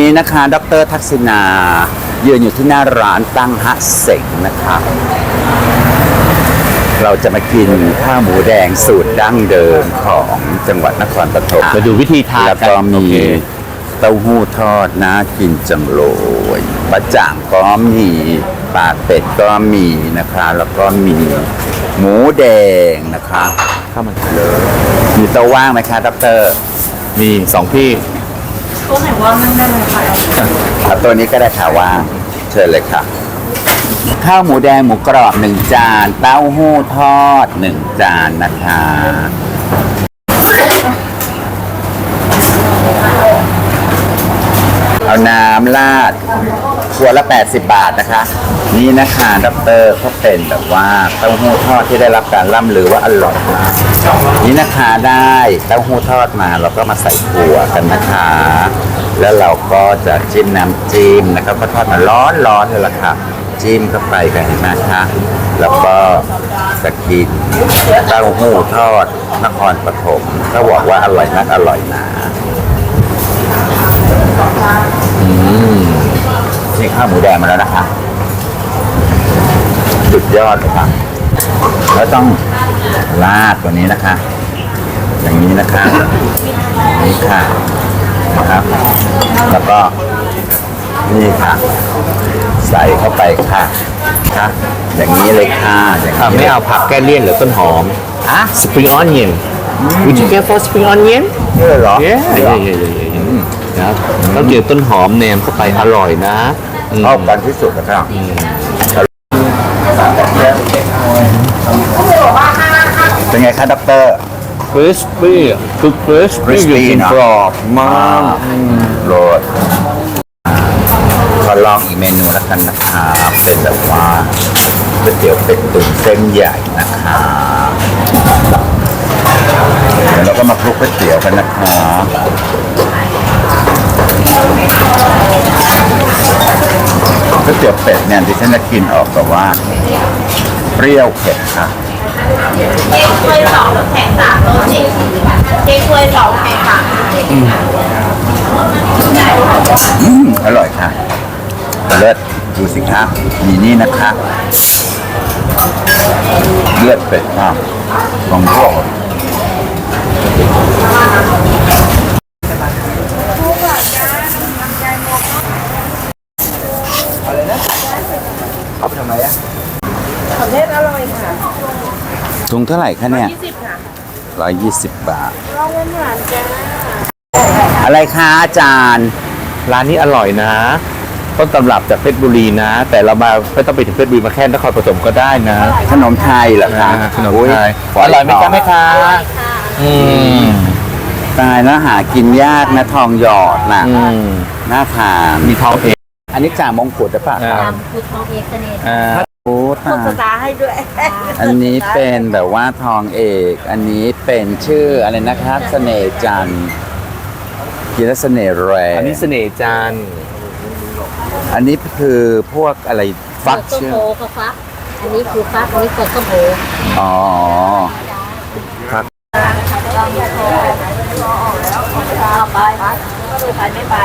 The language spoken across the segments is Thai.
นี้นะคะดร.ทักษิณายืนอยู่ที่หน้าร้านตั้งฮะเสงนะคะเราจะมากินข้าวหมูแดงสูตรดั้งเดิมของจังหวัดนครปฐมมาดูวิธีทานแล้วก็มีเต้าหู้ทอดน่ากินจังเลยบะจ่างก็มีปากเป็ดก็มีนะคะแล้วก็มีหมูแดงนะคะเข้ามาเลยมีโต๊ะว่างไหมคะดร. มี2ที่ตัวไหนว่างนั่งได้เลยค่ะเอาตัวนี้ก็ได้ค่ะว่างเชิญเลยค่ะข้าวหมูแดงหมูกรอบ1จานเต้าหู้ทอด1จานนะคะเอาน้ำราดขวดละ80 บาทนะคะนี่นะคะดร.เขาเป็นแบบว่าเต้าหู้ทอดที่ได้รับการล่ำลือว่าอร่อยมากนี่นะคะได้เต้าหู้ทอดมาเราก็มาใส่ถั่วกันนะคะแล้วเราก็จะจิ้มน้ำจิ้มนะครับก็ทอดมาร้อนๆเลยล่ะค่ะจิ้มเข้าไปกันเห็นไหมคะแล้วก็จะกินเต้าหู้ทอดนครปฐมเขาบอกว่าอร่อยนักอร่อยหนานี่ข้าวหมูแดงมาแล้วนะคะสุดยอดเลยค่ะแล้วต้องราดตัวนี้นะคะอย่างนี้นะคะนี่ค่ะนะครับแล้วก็นี่ค่ะใส่เข้าไปค่ะค่ะอย่างนี้เลยค่ะอย่างนี้ไม่เอาผักแก้เลี่ยนหรือต้นหอมอ่ะ Spring onion Would you get for spring onion นี่เลยเหรอ Yeah นะครับต้องเกี่ยวต้นหอมแนมเข้าไปอร่อยนะอืมชอบกันที่สุดนะครับเป็นไงคะด็อกเตอร์ crispy คือ crispy อยู่จริงกรอบมากโรดขอลองอีกเมนูแล้วกันนะคะเป็นแบบว่าก๋วยเตี๋ยวเป็ดตุ๋นเส้นใหญ่นะคะเดี๋ยวเราก็มาคลุกก๋วยเตี๋ยวกันนะคะก๋วยเตี๋ยวเป็ดเนี่ยดิฉันจะกินออกแบบว่าเปรี้ยวเผ็ดค่ะเค้กถ้วย2แล้วแข็ง3โลเจ็ดเค้กถ้วย2แข็ง3 อร่อยค่ะเลิศดูสิคะมีนี่นะคะเลือดเป็ดค่ะของพวกเอาไปทำไมอะของเทศอร่อยค่ะถุงเท่าไหร่คะเนี่ย 20ค่ะ 120 บาทลองหวานๆจ้าอะไรคะอาจารย์ร้านนี้อร่อยนะต้นตำรับจากเพชรบุรีนะ แต่เรามาไม่ต้องไปถึงเพชรบุรีมาแค่นครปฐมก็ได้นะขนมไทยเหรอคะขนมไทยฝอร่อยไหมจ๊ะแม่ค้าอืมตายแล้วหากินยากนะทองหยอดน่ะอืมน่าทานมีทองเอกอันนี้จ่ามงกุฎหรือเปล่าอ่าตามคือทองเอกเสน่ห์โอ้ตาภาย ษาให้ด้วยอันนี้เป็นแบบว่าทองเอก อันนี้เป็นชื่ออะไรนะครับเสน่ห์จันทร์กินแล้วเสน่ห์แรอังนนี้เสน่ห์จันทร์อันนี้คือพวกอะไรฟักต้มเชื่อโพกับฟัก อันนี้คือฟัก อันนี้คือต้มโพอ๋อฟักเอาไปก็ดูไปไม่ไป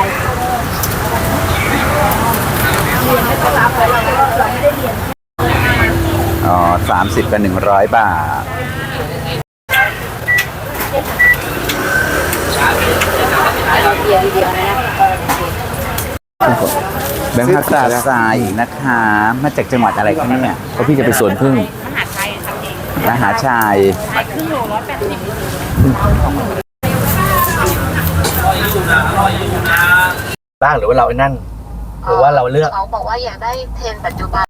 เรียนไม่ต้องรับเลยเราไม่ได้เรียนอ๋อ30 กับ 100 บาทเราเรียนเดียวนะแบงค์พักตาทรายอีกนะคะ มาจากจังหวัดอะไรคะเนี่ยเพราะพี่จะไปสวนพึ่งมหาชัยทำเองมหาชัยขายครึ่งโล180 บ้างหรือว่าเราไอ้นั่นหรือว่าเราเลือกเขาบอกว่าอยากได้เทรนปัจจุบัน